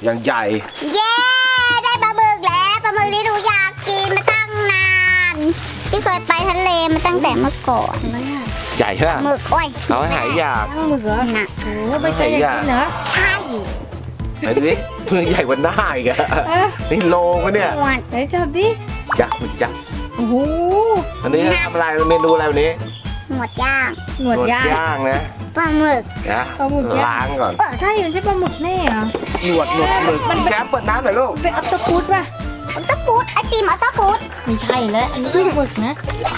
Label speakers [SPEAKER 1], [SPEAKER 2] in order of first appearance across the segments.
[SPEAKER 1] อย่างใหญ่
[SPEAKER 2] เย้ได้ปลาหมึกแล้วปลาหมึกที่หนูอยากกินมาตั้งนานที่เคยไปทะเลมาตั้งแต่เมื่อก่อน
[SPEAKER 1] ใหญ่ใช่ไหม
[SPEAKER 2] หมึกโอ้ย
[SPEAKER 1] เอาให้หายอยาก
[SPEAKER 3] ตั้งหมึกเหรอ
[SPEAKER 2] หนัก
[SPEAKER 3] โอ้ไม่เคยอยากกินเหรอ
[SPEAKER 2] ใช่
[SPEAKER 1] ไหนดูดิเพื่อใหญ่กว่าหน้าอีกอะนี่โลวะเนี่ย
[SPEAKER 2] หวด
[SPEAKER 3] ไหนจับดิ
[SPEAKER 1] ยักษ์มันยักษ์
[SPEAKER 3] โอ้โห
[SPEAKER 1] อันนี้ทำอะไรเมนูอะไรวันนี้
[SPEAKER 2] หมดย่าง
[SPEAKER 3] หนวดย่าง
[SPEAKER 1] ย่างนะ
[SPEAKER 2] ปลาหมึก
[SPEAKER 1] นะ
[SPEAKER 3] ปลาหมึกย่าง
[SPEAKER 1] ล้างก่อน
[SPEAKER 3] ใช่มันใช่ปลาหมึกแน่เหรอ
[SPEAKER 1] หนวดหมึกแก้มเปิดน้ำหน่อยลูก
[SPEAKER 3] เป็นออตพุดป่ะ
[SPEAKER 2] อัลตาปูดไอติมอัลตาปูด
[SPEAKER 3] ไม่ใช่แล้วอันนี้ปลาหมึกนะ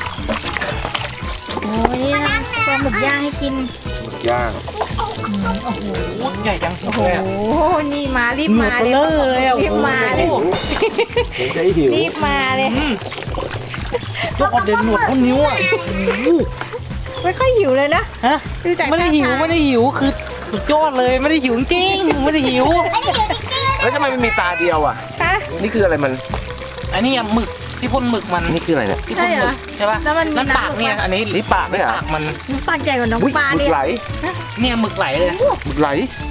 [SPEAKER 3] โอ้ยนี่นะปลาหมึกย่างให้กิน
[SPEAKER 1] หมึกย่าง
[SPEAKER 3] โอ้โห
[SPEAKER 1] ใหญ่จัง
[SPEAKER 3] โอ้โหนี่มารีบมา
[SPEAKER 4] หนวดเบลอเลยอะ
[SPEAKER 3] รีบมาเลย
[SPEAKER 1] ได้หิว
[SPEAKER 3] รีบมาเลย
[SPEAKER 4] ยกออกเดินหนวดเท่านิ้วอ่ะ
[SPEAKER 3] ไม่ค่อยหิวเลยนะ
[SPEAKER 4] ฮะ
[SPEAKER 3] ดูจาก
[SPEAKER 4] ไม่ได้หิว
[SPEAKER 3] ท่าทาง
[SPEAKER 4] ไม่ได้หิวคือสุดยอดเลยไม่ได้หิวจริงไม่ได้หิว
[SPEAKER 2] ไอเดียวจริงๆเลย
[SPEAKER 1] แล้วทำไมมันมีตาเดียวอ่ะ
[SPEAKER 3] ฮะ
[SPEAKER 1] นี่คืออะไรมัน
[SPEAKER 4] อันนี้อะหมึกที่พ่นหมึกมัน
[SPEAKER 1] นี่คืออะไรเนี่ย
[SPEAKER 4] ที่พ่นหมึกใช่ป่ะ
[SPEAKER 3] แล้วมันมี
[SPEAKER 4] นั่นปาก
[SPEAKER 3] น้ำ
[SPEAKER 4] เนี่ยอันนี้
[SPEAKER 1] นี่ปากเนี่ยเหรอ
[SPEAKER 4] ปากมัน
[SPEAKER 3] ปากใหญ่กว่าน้อง
[SPEAKER 1] อุ๊ย
[SPEAKER 3] ปลา
[SPEAKER 1] หมึ
[SPEAKER 3] เนี่
[SPEAKER 1] ก
[SPEAKER 3] ย
[SPEAKER 1] ไหล
[SPEAKER 4] เนี่ยหมึกไหลเลย
[SPEAKER 1] หมึกไหล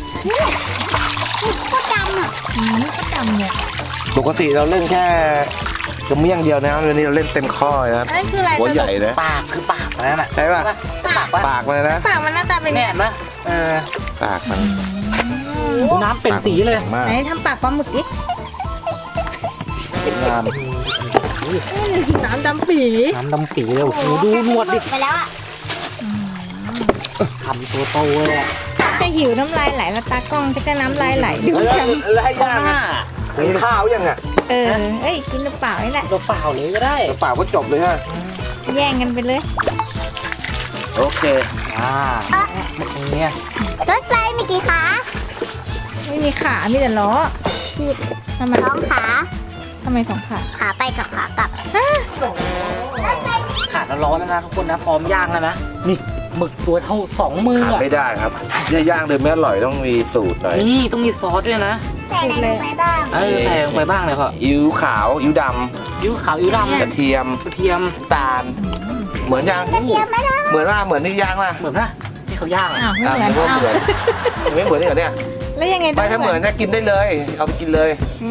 [SPEAKER 2] ก็ดำอ่ะ
[SPEAKER 3] ก็จำเนี่ย
[SPEAKER 1] ปกติเราเล่นแค่กระเมี่ยงเดียวนะวันนี้เราเล่นเต็มข้อเลยนะ
[SPEAKER 3] อันนี้คืออะไร
[SPEAKER 1] หัวใหญ่นะ
[SPEAKER 4] ปากคือปากมันนั่นน่ะ
[SPEAKER 1] ใช่ป่ะ
[SPEAKER 4] ปากปะ
[SPEAKER 1] ปากมันนะ
[SPEAKER 3] ปากมันหน้าตาเป็น
[SPEAKER 4] เนี่ยเห็นปะเออ
[SPEAKER 1] ปากมัน
[SPEAKER 4] ดูน้ำเป็นสีเลย
[SPEAKER 1] มาก
[SPEAKER 3] ไหนทำปากปลาหมึกดิ
[SPEAKER 1] งาม
[SPEAKER 3] น้ำดำปี
[SPEAKER 4] น้ำดำปีเลยโอ้โหดูหนวดดิ
[SPEAKER 2] ไปแล้วอ่ะ
[SPEAKER 4] ทำตัวโตเลยอะ
[SPEAKER 3] จะหิวน้ำลายไหลแล้วตากล้องจะน้ำลายไหลดู
[SPEAKER 1] แล้ว
[SPEAKER 3] จัง
[SPEAKER 1] แล้วให้
[SPEAKER 4] ข้า
[SPEAKER 1] ย่าง
[SPEAKER 4] หน้า
[SPEAKER 1] กินข้าวยังอ่ะ
[SPEAKER 3] เอ้ยกินเปล่าๆนี่แหละ
[SPEAKER 4] ตัวเปล่าเลยก็ได้
[SPEAKER 1] ปากก็จบเลยฮะ
[SPEAKER 3] แย่งกันไปเลย
[SPEAKER 1] โอเค
[SPEAKER 4] หมึกเนี่ย
[SPEAKER 2] รถไฟมีกี่ขา
[SPEAKER 3] ไม่มีขา มีแต่ล้อ
[SPEAKER 2] ผิด
[SPEAKER 3] ทำไม
[SPEAKER 2] สองขา
[SPEAKER 3] ทำไมสองขา
[SPEAKER 2] ขาไปกับขากลับรถไฟ
[SPEAKER 4] ขาดร้อนแล้วนะทุกคนนะพร้อมย่างแล้วนะนี่หมึกตัวเท่า2 มือ
[SPEAKER 1] ขาด
[SPEAKER 4] อะ
[SPEAKER 1] ไม่ได้ครับจะย่างเดิมไม่อร่อยต้องมีสูตรหน่อย
[SPEAKER 4] นี่ต้องมีซอสด้วยนะ
[SPEAKER 2] ใส่อะไรลงไปบ้าง
[SPEAKER 4] เออใส่ลงไปบ้างเลยพ่อ
[SPEAKER 1] อิ๊วขาวอิ๊วด
[SPEAKER 4] ยิ้วขาวยิ้ว
[SPEAKER 1] ำ
[SPEAKER 4] ดำ
[SPEAKER 1] กระเทียม
[SPEAKER 4] กระเทียม
[SPEAKER 1] น้ำตาล เหมือนย่าง
[SPEAKER 2] กระเทียมไม่ได้
[SPEAKER 1] เหมือนว่าเหมือนที่ย่างป่ะ
[SPEAKER 4] เหมือนนะที่เขาย่าง
[SPEAKER 3] อ้าวไม่
[SPEAKER 1] อ่ะ
[SPEAKER 3] เหมือน
[SPEAKER 1] ไม่
[SPEAKER 3] อ้าว
[SPEAKER 1] เหมือนไม่เหมือนนี่เหรอเนี่ย
[SPEAKER 3] แล้วยังไง
[SPEAKER 1] ไปถ้าเหมือนนะกินได้เลย เอาไปกินเลย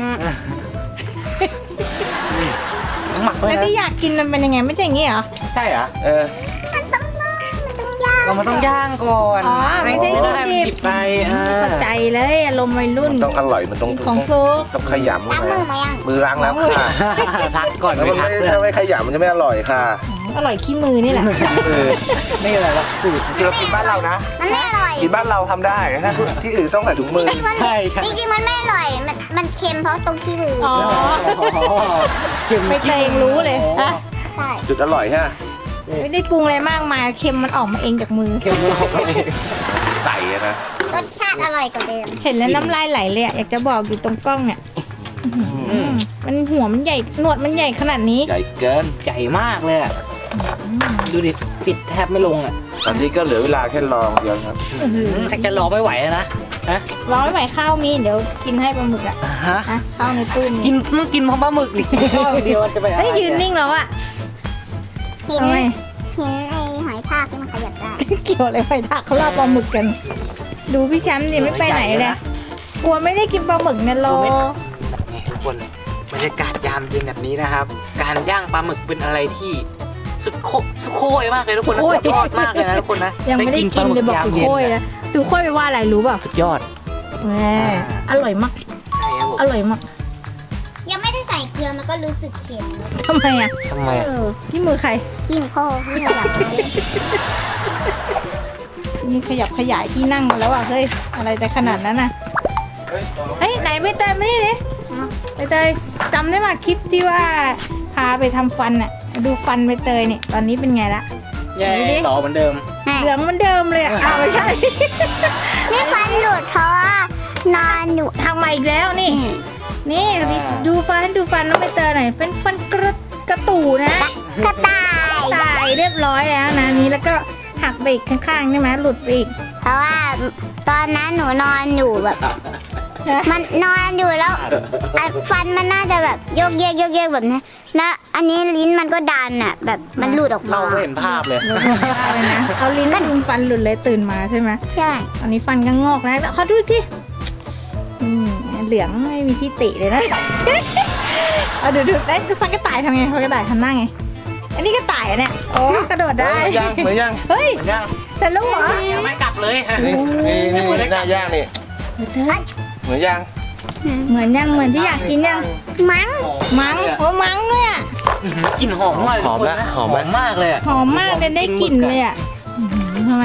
[SPEAKER 4] หมักด้ว
[SPEAKER 3] แล้
[SPEAKER 4] ยว นะ
[SPEAKER 3] ที่อยากกินมันเป็นยังไงไม่ใช่อย่างงี้เหรอ
[SPEAKER 4] ใช่เหรอ
[SPEAKER 1] เออ
[SPEAKER 2] มันต้องย่าง
[SPEAKER 4] เรามันต้องย่างก่อน
[SPEAKER 3] อ๋อไม่ใช่
[SPEAKER 4] ได้มัน
[SPEAKER 3] ดิบ
[SPEAKER 4] หยิบไป
[SPEAKER 3] เข้าใจเลยอารมณ์วัยรุ่น
[SPEAKER 1] ต้องอร่อยมันต้อง
[SPEAKER 3] ของฟลุก
[SPEAKER 1] ต้องขยำ
[SPEAKER 2] ล้างมือมายัง
[SPEAKER 1] มือล้างแล้วค่ะ
[SPEAKER 4] ทักก่อน
[SPEAKER 1] แล้ว
[SPEAKER 4] ไป
[SPEAKER 1] มัน
[SPEAKER 4] ทั
[SPEAKER 1] ไม่
[SPEAKER 4] กเพื่อ
[SPEAKER 1] ถ้าน ไม่ขยำมันจะไม่อร่อยค่ะ
[SPEAKER 3] อร่อยขี้มือนี่แหละ
[SPEAKER 1] เออ
[SPEAKER 4] ไม่อะไรหรอกสูตร
[SPEAKER 1] คือเรากินบ้านเรานะ
[SPEAKER 2] มันไม่อร่อย
[SPEAKER 1] กินบ้านเราทำได้ถ้าที่อื่นต้องใส่ถุงมือ
[SPEAKER 2] จริงๆมัน
[SPEAKER 4] ใช่ใช่
[SPEAKER 2] จริงๆมันไม่อร่อย มันเค็มเพราะตรงที่มือ
[SPEAKER 3] อ๋อ
[SPEAKER 4] เค็ม
[SPEAKER 3] ไม่เคยรู้เลยฮะ
[SPEAKER 2] ใช่
[SPEAKER 1] จุดอร่อยฮะ
[SPEAKER 3] ไม่ได้ปรุงอะไรมากมายเค็มมันออกมาเองจากมือ
[SPEAKER 4] เค็มเราไป
[SPEAKER 1] ใส่อะนะ
[SPEAKER 2] รสชาติอร่อยกว่าเดิม
[SPEAKER 3] เห็นแล้วน้ำลายไหลเลยอะอยากจะบอกอยู่ตรงกล้องเนี่ยมันหัวมันใหญ่หนวดมันใหญ่ขนาดนี้
[SPEAKER 1] ใหญ่เกิน
[SPEAKER 4] ใหญ่มากเลยอะดูดิปิดแทบไม่ลงอ่ะ
[SPEAKER 1] ตอนนี้ก็เหลือเวลาแค่รองเดียวครับ
[SPEAKER 4] ชักจะรอไม่ไหวแล้วนะฮะ
[SPEAKER 3] ร้อยไหวข้าวมีเดี๋ยวกินให้ปลาหมึกอะ
[SPEAKER 4] ฮะ
[SPEAKER 3] ฮะข้าวในตู้
[SPEAKER 4] กิ
[SPEAKER 3] มี
[SPEAKER 4] นต้องกินพร้อมปลาหมึกดิข้าวเดียวจะไปอะไร
[SPEAKER 3] เฮ้ยยืนนิ่งแล้วอะ
[SPEAKER 2] หิน
[SPEAKER 3] ทำไม
[SPEAKER 2] หินไอหอยทากที่มันขยับได้
[SPEAKER 3] เกี่ยวอะไรไปทักเขาล่าปลาหมึกกัน ดูพี่แชมป์ดิไม่ไปไหนเลยกลัวไม่ได้กินปลาหมึกเนี่ยโล
[SPEAKER 4] นี่ทุกคนบรรยากาศยามเย็นแบบนี้นะครับ การย่างปลาหมึกเป็นอะไรที่สุดโคยมากเลยทุกคนนะสุดยอดมากเลยนะทุกคนนะ
[SPEAKER 3] ยังไม่ได้กินเลยบอกถือโค้ยนะถือโค้ยไปว่าอะไรรู้เปล่า
[SPEAKER 4] สุดยอด
[SPEAKER 3] แหมอร่อยมาก
[SPEAKER 4] ใช่ครับผม
[SPEAKER 3] อร่อยมาก
[SPEAKER 2] ยังไม่ได้ใส่เกลือมันก็รู้สึกเค็มแล้ว
[SPEAKER 3] ทำไมอะ
[SPEAKER 4] ทำไม
[SPEAKER 2] เออ
[SPEAKER 3] ที่มือใคร
[SPEAKER 2] กินพ่อที่ขยับเลย
[SPEAKER 3] มีขยับขยายที่นั่งมาแล้วอะเฮ้ยอะไรแต่ขนาดนั้นน่ะเฮ้ยไหนใบเตยมานี่ดิใบเตยจำได้ไหมคลิปที่ว่าพาไปทำฟันอะดูฟันใบเตยเนี่ยตอนนี้เป็นไงละ
[SPEAKER 4] แย่หล่อเหมือนเดิม
[SPEAKER 3] เหลืองเหมันเดิมเลยอะอ้าวไม่ใช่
[SPEAKER 2] นี่ฟันหลุดเพราะว่านอนอยู่
[SPEAKER 3] ทำมาอีกแล้วนี่ นี่ดูฟันดูฟันน้องใบเตยหน่อยเป็นฟันกระตูนะ
[SPEAKER 2] กระต่าย
[SPEAKER 3] ตายเรียบร้อยแล้วนะนี้แล้วก็หักไปอีกข้างๆใช่ไหมหลุดไปอีก
[SPEAKER 2] เพราะว่าตอนนั้นหนูนอนอยู่แบบ มันนอนอยู่แล้วฟันมันน่าจะแบบโยกเยกแบบนี้แล้วอันนี้ลิ้นมันก็ดันอ่ะ แบบมันหลุดออกมา
[SPEAKER 4] เราก็เห็นภาพเลย
[SPEAKER 3] อะไรนะเอาลิ้นดุมฟันหลุดเลยตื่นมาใช่ไหม
[SPEAKER 2] ใช่
[SPEAKER 3] ตอนนี้ฟันก็งอกแล้วแล้วขอดูอีกทีเหลืองไม่มีที่ติเลยนะ เอาดูเอ๊ะฟันกระต่ายทำไงฟันกระต่ายทำหน้าไงอันนี้กระต่ายอะเนี่ยโอ้กระโดดได้
[SPEAKER 1] เหมือนยัง
[SPEAKER 3] เฮ้ย
[SPEAKER 4] เหมือนยัง
[SPEAKER 3] เสร็จแล้วเหรอ
[SPEAKER 4] ยังไม่กลับเลย
[SPEAKER 1] นี่หน้าย่างนี่เหมือนยัง
[SPEAKER 3] เหมือนยังเหมือนที่อยากกินยัง
[SPEAKER 2] มั้ง
[SPEAKER 3] มั้งโอ้มั้งด้วยอ่ะ
[SPEAKER 4] กลิ่นหอมมาก
[SPEAKER 1] หอมนะหอมไหม
[SPEAKER 4] มากเลยอะ
[SPEAKER 3] หอมมากเลยได้กลิ่นเลยอ่ะทำไม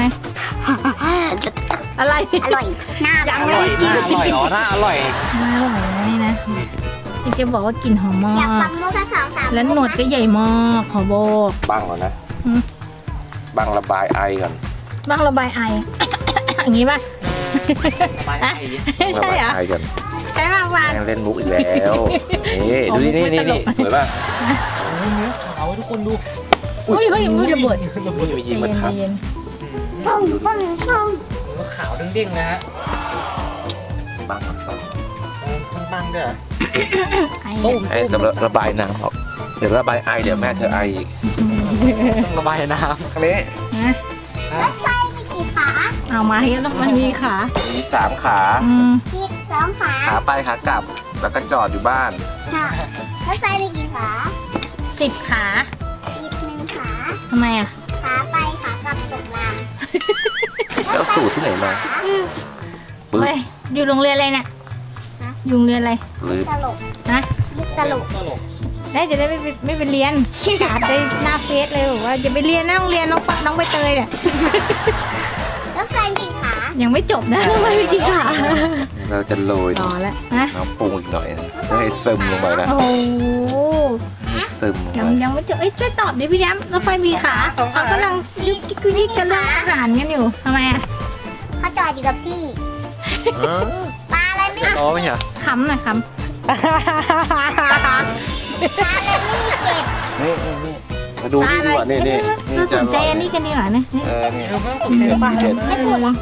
[SPEAKER 3] อะไร
[SPEAKER 2] อร่อยหน้า
[SPEAKER 3] ยัง
[SPEAKER 4] อ
[SPEAKER 3] ไม่
[SPEAKER 4] ร่อย
[SPEAKER 3] ได้กิน
[SPEAKER 4] น่าอร่อยอ๋อน่าอร่อย
[SPEAKER 3] น่าอร่อยนะนี่นะที่จะบอกว่ากลิ่นหอมมา
[SPEAKER 2] อยากฟั
[SPEAKER 3] ก
[SPEAKER 2] งมุกสัก2-3
[SPEAKER 3] แล้วหนวดก็ใหญ่มากขอบอก
[SPEAKER 1] บังก่อนนะ
[SPEAKER 3] อืม
[SPEAKER 1] บังระบายไอก่อน
[SPEAKER 3] บ้างระบายไอ อย่างนี้ป่ะ
[SPEAKER 4] ไป
[SPEAKER 3] อะใช่เหรอ
[SPEAKER 1] ระบายไอก่อน
[SPEAKER 3] ใช่ป่ะวาน
[SPEAKER 1] แม่งเล่นมุกอีกแล้วนี่ดูนี่นี่นี่สวยป่ะ
[SPEAKER 4] เนื้อขาวให้ทุกคนดู
[SPEAKER 3] เฮ้ยมือระเบิด
[SPEAKER 1] มียิงมันครับ
[SPEAKER 3] เย็น
[SPEAKER 2] ปุ้งปุ้งปุ้ง
[SPEAKER 4] เนื้อขาวเด้งๆนะฮะ
[SPEAKER 1] บังก่อนบัง
[SPEAKER 4] บ้างๆด้วยเหรอ
[SPEAKER 3] ๆไอ
[SPEAKER 4] ตุ้ม
[SPEAKER 1] ไอ้ระบายน้ำออกเดี๋ยวระบายไอเดี๋ยวแม่เธอไออีก
[SPEAKER 4] ต้องระบายน้
[SPEAKER 1] อันนี้
[SPEAKER 3] นะ
[SPEAKER 2] รถไฟมีกี่ขา
[SPEAKER 3] เอามาให้แล้วมันมีขา
[SPEAKER 1] มี3 ขา
[SPEAKER 3] อืม
[SPEAKER 2] อีก2 ขา
[SPEAKER 1] ขาไปขากลับ แล้วก็จอดอยู่บ้าน
[SPEAKER 2] ค่ะรถไฟมีกี่ขา
[SPEAKER 3] 10 ขา
[SPEAKER 2] อีก1 ขา
[SPEAKER 3] ทำไมอ่ะ
[SPEAKER 2] ขาไปขากลับตกราง
[SPEAKER 1] แล้วสูตรที่ไหนมาปึ๊บ
[SPEAKER 3] เฮ้ยอยู่โรงเรียนอะไรเนี่ยอยู่โรงเรียนอะไร
[SPEAKER 1] หรือ
[SPEAKER 2] ตลก
[SPEAKER 3] นะ
[SPEAKER 2] มุกตลก
[SPEAKER 4] ำตลก
[SPEAKER 3] ได้จะได้ไม่ไปเรียนขาดไปหน้าเฟซเลยบอกว่าจะไปเรียนหน้าโรงเรียนน้องใบเตยเนี่ย
[SPEAKER 2] รถไฟมีกี่ขา
[SPEAKER 3] ยังไม่จบนะไม่มีกี่ขา
[SPEAKER 1] เราจะโรย
[SPEAKER 3] ต่อแล้วนะ
[SPEAKER 1] น้ำปรุงอีกหน่อยนะให้ซึมลงไปนะ
[SPEAKER 3] โอ้โห
[SPEAKER 1] ให้ซึมลง
[SPEAKER 3] ยัง
[SPEAKER 1] ไป
[SPEAKER 3] ยังไม่จบเอ้ยช่วยตอบดิพี่ย้ำรถไฟมีขาเขากำลังยิกจะเรื่องอาหารกันอยู่ทำไมอ่ะ
[SPEAKER 2] เขาจอดอยู่กับซี่ปลาอะไรไม่
[SPEAKER 1] อ๋อไม่ใช่
[SPEAKER 3] ขำหน่อยข
[SPEAKER 2] ปลาอะไรไม่มีเกล็ด
[SPEAKER 1] นี่นี่มาดู
[SPEAKER 3] ำ
[SPEAKER 1] นี่ดีกว่านี่นี่นี่
[SPEAKER 3] เราส
[SPEAKER 1] จะ
[SPEAKER 3] นใจอันนี้กันดีกว่านะ
[SPEAKER 1] นี่
[SPEAKER 4] เดี๋ยวเพิ่งผมเจอบ้าง
[SPEAKER 1] เด็ด
[SPEAKER 2] ไม่พูดเลย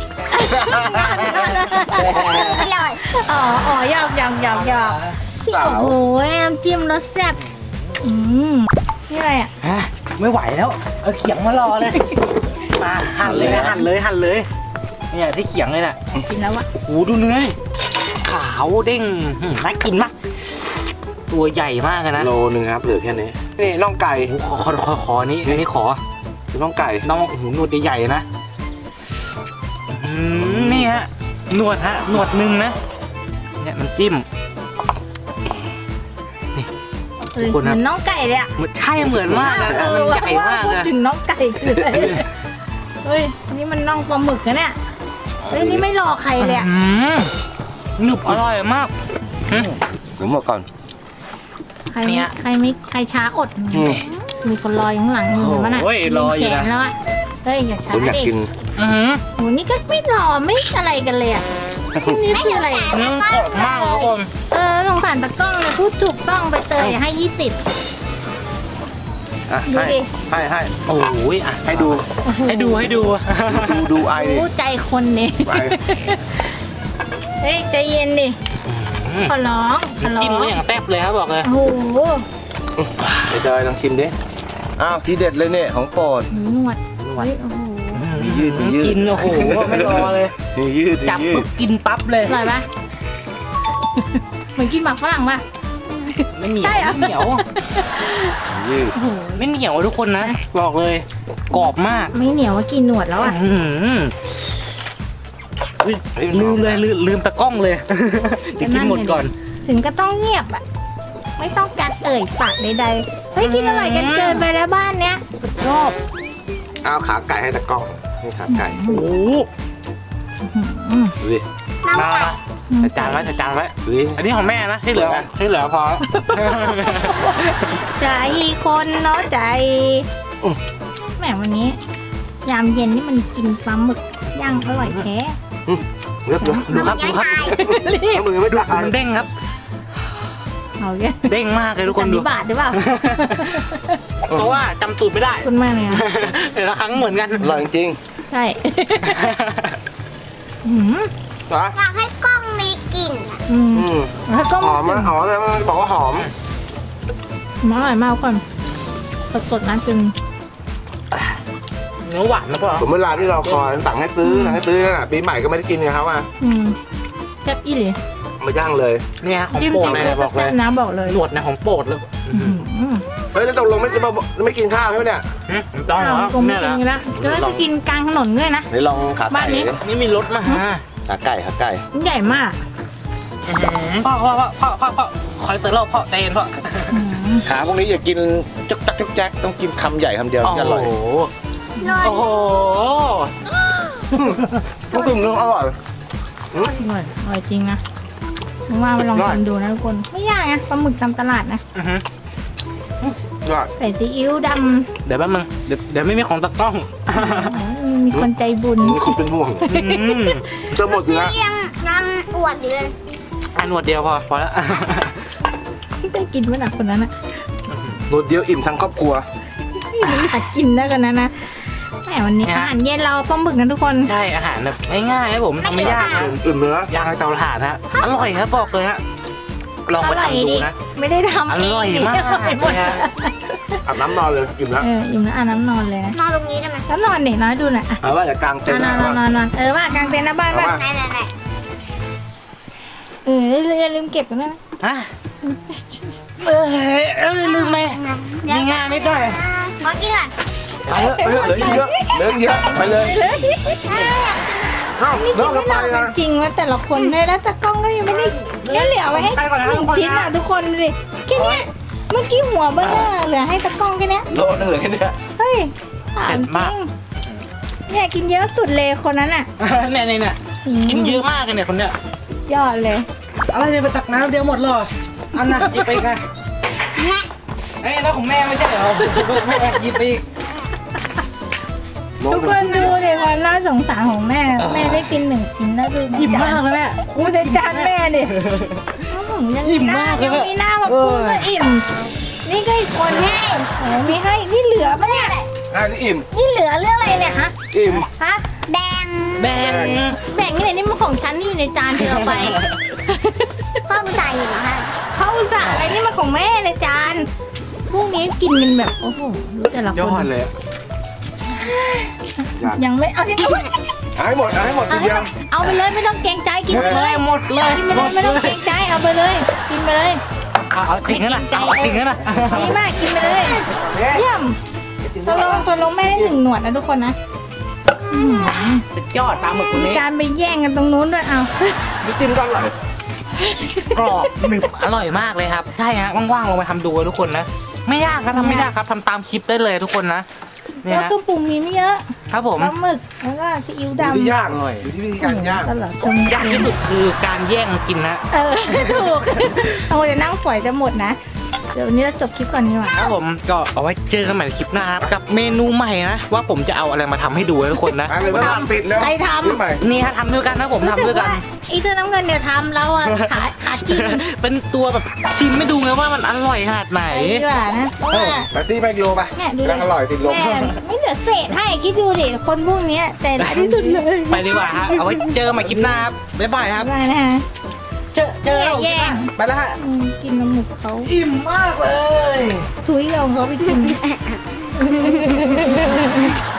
[SPEAKER 2] อร่อย
[SPEAKER 3] อ๋อหยอกโอ้โหน้ำจิ้มรสแซ่บนี่อะไรอ่ะ
[SPEAKER 4] ไม่ไหวแล้ว เอาเขียงมารอเลยมาหั่นเลยนะหั่นเลยเนี่ยที่เขียงเลยน่ะ
[SPEAKER 3] กินแล้วอ่ะ
[SPEAKER 4] โอ้ดูเนื้อดิขาวเด้งน่ากินมากตัวใหญ่มากเลยนะ
[SPEAKER 1] โลนึงครับเหลือแค่นี้นี่น่องไก่
[SPEAKER 4] โอ้ขออันนี้ขอ
[SPEAKER 1] คือน่องไก่
[SPEAKER 4] น้องหูหนวดใหญ่ๆนะนี่ฮะหนวดฮะหนวดหนึ่งนะเนี่ยมันจิ้ม
[SPEAKER 3] เหมือนน้องไก่เลยอ่ะ
[SPEAKER 4] มันใช่เหมือนมากนะมันใหญ่มาก
[SPEAKER 3] พูด
[SPEAKER 4] เลย
[SPEAKER 3] ถึงน้องไก่คืออะไรเฮ้ยอันนี้มันน่องปลาหมึกนะเนี่ยเฮ้ยนี่ไม่รอใครเลยอ่ะ
[SPEAKER 4] หนึบอร่อยมาก
[SPEAKER 1] หรือหมดก่อน
[SPEAKER 3] ใครช้าอด มีคนรออยู่ข้างหลังมือมันอ่ะ
[SPEAKER 4] โอ้ยรออยู่
[SPEAKER 3] แข
[SPEAKER 4] นะ
[SPEAKER 3] นแล้วอ่ะเฮ้ยอย่าช้า
[SPEAKER 1] คุณอยาก
[SPEAKER 3] ดิ
[SPEAKER 1] กิน
[SPEAKER 3] โหนี่ก็ไม่รอไม่อะไรกันเลยอ่ะพวกนี้คืออะไร
[SPEAKER 4] เนื้อมันกรอบมากทุกคน
[SPEAKER 3] สงสารตะกล้องเลยพูดถูกต้องไปเตยให้ 20
[SPEAKER 1] อ่ะ
[SPEAKER 3] ดู
[SPEAKER 1] ให้
[SPEAKER 3] ดิ
[SPEAKER 1] ให้
[SPEAKER 4] โอ้ยอ่ะ
[SPEAKER 1] ให้ดู
[SPEAKER 3] โอ้โห
[SPEAKER 4] ให้ดู
[SPEAKER 1] ดูไอดิ
[SPEAKER 3] รู้ใจคนเนี่ย
[SPEAKER 1] ไอ
[SPEAKER 3] เฮ้ยใจเย็นดิขอร้องขอร้อ
[SPEAKER 4] จิ้มก็
[SPEAKER 3] ง
[SPEAKER 4] อย่างแซ่บเลยครับบอกเลย
[SPEAKER 3] โอ้โห
[SPEAKER 1] ไปเจอลองชิมดิอ้าวทีเด็ดเลยเนี่ยของโปรด
[SPEAKER 3] หนวดเฮ้ยโอ้โห
[SPEAKER 1] มียืด
[SPEAKER 4] กินโอ้โหไม่รอเลย
[SPEAKER 1] มียืดมี
[SPEAKER 4] จับ
[SPEAKER 1] ยื
[SPEAKER 4] ปุ๊
[SPEAKER 1] ด
[SPEAKER 4] บกินปั๊บเลย
[SPEAKER 3] อร่อยปะเหมือนกินหมากฝรั่งปะ
[SPEAKER 4] ไม่เหนียว
[SPEAKER 3] ใช่เหรอ
[SPEAKER 4] ไม่เหนียว
[SPEAKER 1] มียืด
[SPEAKER 3] โอ้โห
[SPEAKER 4] ไม่เหนียวทุกคนนะบอกเลยกรอบมาก
[SPEAKER 3] ไม่เหนียวว่ากินหนวดแล้วอ่ะ
[SPEAKER 4] อุ๊ยลืมตะกล้องเลยเดี๋ยวกินหมดก่อน
[SPEAKER 3] ถึงก็ต้องเงียบอ่ะไม่ต้องการเอ่ยปากใดๆเฮ้ยกินอร่อยกันเกินไปแล้วบ้านเนี้ยชอบ
[SPEAKER 1] เอาขาไก่ให้ตะกล้องนี่ขาไก่
[SPEAKER 4] โอ้โห
[SPEAKER 1] ดูดิ
[SPEAKER 4] มาจัดจานไว้
[SPEAKER 1] ดูดิ
[SPEAKER 4] อันนี้ของแม่นะที่เหลือพอ
[SPEAKER 3] ใจคนเนาะใจแหมวันนี้ ยามเย็นนี่มันกินปลาหมึกย่างอร่อยแท้
[SPEAKER 1] เลือกดู
[SPEAKER 4] ดูครับ
[SPEAKER 1] เอามือไม่ดูไอ
[SPEAKER 4] มันเด้งครับ
[SPEAKER 3] เอาแก
[SPEAKER 4] เด้งมากเลยทุกคน
[SPEAKER 3] สัน
[SPEAKER 4] ดู
[SPEAKER 3] นิบาตหรือเปล่า
[SPEAKER 4] เพราะว่าจำสูตรไม่ได้
[SPEAKER 3] คุณมากเลยอะ
[SPEAKER 4] แต่ละครั้งเหมือนกัน
[SPEAKER 1] อร่อยจริง
[SPEAKER 3] ใช่หืม
[SPEAKER 1] ๆนะ
[SPEAKER 2] อยากให้กล้องมีกลิ่นอะ
[SPEAKER 3] แล้วก็
[SPEAKER 1] หอมนะหอมเลยมันบอกว่าหอม
[SPEAKER 3] อร่อยมากก่อนสดๆนะจน
[SPEAKER 4] เนื้อหวานนะพ่อ
[SPEAKER 1] ผมเวลาที่เราคอยสั่งให้ซื้อนั่นน่ะปีใหม่ก็ไม่ได้กินกับเขาอ่ะ
[SPEAKER 3] แซ่บอีหลี
[SPEAKER 1] มาย่างเลย
[SPEAKER 4] เนี่ยของ
[SPEAKER 3] จิ้ม
[SPEAKER 4] โปรด
[SPEAKER 3] จิ้ม
[SPEAKER 4] เลย
[SPEAKER 3] แล้ว
[SPEAKER 4] นะบอกเล
[SPEAKER 3] แซ่
[SPEAKER 4] ย
[SPEAKER 3] บนะบอกเลย
[SPEAKER 4] หนวดนะของโปรดเลย
[SPEAKER 1] เฮ้ยแล้วตกลงไม่กินข้าวใช่ไหมเนี่ย
[SPEAKER 4] ต้องเหรอ
[SPEAKER 3] ผมไม่
[SPEAKER 4] เนี่ย
[SPEAKER 3] กิน
[SPEAKER 4] นะ
[SPEAKER 3] กันละก็จะกินกลางถนนด้วยนะ
[SPEAKER 1] นี่ลองขา
[SPEAKER 3] บ้า
[SPEAKER 1] ไก่
[SPEAKER 3] นนี้
[SPEAKER 4] นี่มีรถมาฮะ
[SPEAKER 1] ขาไก่ขาไก่
[SPEAKER 3] ใหญ่มาก
[SPEAKER 4] พ่อคอยเตือนเราพ่อเตนพ่อ
[SPEAKER 1] ขาพวกนี้อย่ากินจุกจักจุกแจ๊กต้องกินคำใหญ่คำเดียวถึงจะอร่อย
[SPEAKER 2] นอน
[SPEAKER 4] โอ้โห
[SPEAKER 1] ต้องกินนึงอร่อย
[SPEAKER 3] อร่อยจริงนะนึกว่าไปลองกินดูนะทุกคน ไม่ยากนะปลาหมึกตามตลาดนะ
[SPEAKER 1] ยอด
[SPEAKER 3] ใส่ซีอิ๊วด
[SPEAKER 4] เดี๋ยวแป๊บนึงเดี๋ยวไม่มีของตะกล้อง
[SPEAKER 3] ำมีคนใจบุญ
[SPEAKER 1] นี่คุณเป็นห่วงจะหมดอยู่แล้ว
[SPEAKER 2] ยังอวดอยู่เลย
[SPEAKER 4] อันหนวดเดียวพอแล้ว
[SPEAKER 3] ได้กินเมื่อไหร่คนนั้นนะ
[SPEAKER 1] หนวดเดียวอิ่มทั้งครอบครัว
[SPEAKER 3] อยากกินได้กันนะแหมวันนี้อาหารเย็นเราปลาหมึกนะทุกคน
[SPEAKER 4] ใช่อาหารแบบง่ายๆครับผมทำไม่ยากนะ
[SPEAKER 1] อิ่มเนื้อย่าง
[SPEAKER 4] ในเตาถ่านฮะอร่อยครับบอกเลยฮะลองไปทำดูนะ
[SPEAKER 3] ไม่ได้ทำ
[SPEAKER 4] อ
[SPEAKER 3] เอง
[SPEAKER 4] ร่อยมาก
[SPEAKER 3] อร่อยหมด
[SPEAKER 4] เลยฮะ
[SPEAKER 1] อาบน้ำนอนเลยอิ่มแล้ว
[SPEAKER 3] อิ่มแล้วอาบน้ำนอนเลยนะ
[SPEAKER 2] นอนตรงนี้ได้ไหม
[SPEAKER 3] แล้วนอนเด็กน้อยดูหน่อยอ่ะ
[SPEAKER 1] เอาว่าจะกางเต็นท์
[SPEAKER 3] นอน
[SPEAKER 1] นะ
[SPEAKER 3] นอนว่ากางเต็นท์หน้าบ้าน
[SPEAKER 1] เอา
[SPEAKER 3] ป่ะ
[SPEAKER 1] ว่า
[SPEAKER 2] ไหน
[SPEAKER 3] อย่าลืมเก็บกันด้วยนะ
[SPEAKER 4] ฮะลืมไหมมีงานนิดหน่อย
[SPEAKER 2] ขอกินก่อน
[SPEAKER 1] ไปเถอะเหลือเยอะเหลือเยอะไปเลย
[SPEAKER 3] เลย
[SPEAKER 1] เอ้า
[SPEAKER 3] นี่
[SPEAKER 1] เลิ
[SPEAKER 3] กิน
[SPEAKER 1] กแล้ว
[SPEAKER 3] ไม่
[SPEAKER 1] ไป
[SPEAKER 3] นอน
[SPEAKER 1] นะ
[SPEAKER 3] จริงว่าแต่ละคนเลยแล้วตะกล้องก็ยังไม่ได้เหลือไว้ให้หนึ่งชิ้นอ่ะทุกคนดูดิแค่เนี้ยเมื่อกี้หัวเบลอเหลือให้ตะกล้องแค่เนี้ย
[SPEAKER 1] โลนึงเหลือแค่เนี้ย
[SPEAKER 3] เฮ้ยถามจริงเนี่ยกินเยอะสุดเลยคนนั้นอ่ะ
[SPEAKER 4] เนี่ยกินเยอะมากเลยเนี่ยคนเนี้ย
[SPEAKER 3] ยอดเลย
[SPEAKER 4] อะไรเนี่ยไปตักน้ำเดียวหมดเลยอันน่ะหยิบไปกัน
[SPEAKER 2] แม่
[SPEAKER 4] ไอ้แล้วของแม่ไม่ใช่เหรอแม่แอบหยิบไปอีก
[SPEAKER 1] โล
[SPEAKER 3] ทุก
[SPEAKER 1] นึ
[SPEAKER 3] ค
[SPEAKER 1] ง
[SPEAKER 3] นดูเลยความน่าสงสารของแม่ แม่ได้กินหนึ่งชิ้นแล้วดู
[SPEAKER 4] หยิบมากเลยแม่
[SPEAKER 3] คูในจานแม่ดิยัง
[SPEAKER 4] อิ่มมากเลย
[SPEAKER 3] ยังมีหน้ามาพูดว่าอิ่ม นี่ก็อีกคนให้ไม่ให้ นี่เหลือปะเนี่ย
[SPEAKER 1] อ่ะนี่อิ่ม
[SPEAKER 3] นี่เหลือเรื่องอะไรเนี่ยฮะ
[SPEAKER 1] อิ่ม
[SPEAKER 3] ฮะ
[SPEAKER 2] แดง
[SPEAKER 4] แบ่ง
[SPEAKER 3] แบ่งนี่ไหนนี่มันของฉันที่อยู่ในจานเธอเอาไป
[SPEAKER 2] พ่อกูจ่ายอยู่นะคะ
[SPEAKER 3] เขาอุตส่าห์อะไรนี่มันของแม่ในจาน พวกนี้กินกันแบบโอ้โหรู้แต่ละ
[SPEAKER 4] ย
[SPEAKER 3] ค
[SPEAKER 4] อด
[SPEAKER 3] น
[SPEAKER 4] เลย
[SPEAKER 3] ยังไม่เอาที่เอา
[SPEAKER 1] เอาให้หมดเอาให้หมดทีเดียว
[SPEAKER 3] เอาไปเลยไม่ต้องเกรงใจกินไปเลย
[SPEAKER 4] หมดเลย
[SPEAKER 3] กินไปเลยไม่ต้องเกรงใจเอาไปเลย กินไปเลย
[SPEAKER 4] เอาจริงนะเอาจริงนะ
[SPEAKER 3] ดีมากกินไปเลยเยี่ยมตกลงแม่ได้หนึ่งหนวดนะทุกคนนะ
[SPEAKER 4] สุดยอดปลาหมึกคนนี้
[SPEAKER 3] การไปแย่งกันตรงนู้นด้วยเอา
[SPEAKER 1] นี่จิ้มก็อร่อย
[SPEAKER 4] กรอบหนึบอร่อยมากเลยครับใช่ฮะว่างๆลองไปทำดูทุกคนนะไม่ยากครับทำไม่ยากครับทำตามคลิปได้เลยทุกคนนะเนี่
[SPEAKER 3] แล้ว
[SPEAKER 4] ย
[SPEAKER 3] เครื่องปรุงมีไม่เยอะ
[SPEAKER 4] ครับผม
[SPEAKER 3] ปลาหมึกแล้วก็ซีอิ๊ว
[SPEAKER 1] อยู่ที่
[SPEAKER 3] ดำ
[SPEAKER 1] ย่าง
[SPEAKER 4] อร่อย
[SPEAKER 1] อยู่ที่วิธีการย่าง
[SPEAKER 3] ตลอดชม
[SPEAKER 4] ยากที่สุดคือการแย่งกินนะ
[SPEAKER 3] ถูกเอาจะนั่งฝอยจะหมดนะ เดี๋ยววันนี้เราจบคลิปก่อนดีกว่า
[SPEAKER 4] ครับผมก็เอาไว้เจอกันใหม่ในคลิปหน้าครับกับเมนูใหม่นะว่าผมจะเอาอะไรมาทำให้ดูนะทุกคนนะ
[SPEAKER 1] ไปเลยไม่ต้องปิดแล้ว
[SPEAKER 3] ใครทำ
[SPEAKER 1] นี่ใหม่
[SPEAKER 4] นี่ฮะทำด้วยกันนะผมทำด้วยกัน
[SPEAKER 3] ไอ้เสื้อน้ำเงินเนี่ยทำเราอะขากิน
[SPEAKER 4] เป็นตัวแบบชิมไม่ดูไงว่ามันอร่อยขนาดไหน
[SPEAKER 3] ไปดีกว่านะเพราะว่า
[SPEAKER 1] ไปซี่ไปกิโลไป
[SPEAKER 3] เนี่ยดู
[SPEAKER 1] กำลังอร่อยติดลม
[SPEAKER 3] แม่ไม่เหลือเศษให้คิดดูดิคนพวกเนี้ยใจร้ายที่สุดเลย
[SPEAKER 4] ไปดีกว่าฮะเอาไว้เจอกันใหม่คลิปหน้าครับบ๊ายบายครับ
[SPEAKER 3] ได้นะฮะ
[SPEAKER 4] เจอเรา
[SPEAKER 3] แย่ง
[SPEAKER 4] ไปแล้วฮะ
[SPEAKER 3] กินน้ำหมึกเขา
[SPEAKER 4] อิ่มมากเลย
[SPEAKER 3] ถุยเอาเขาไปกิน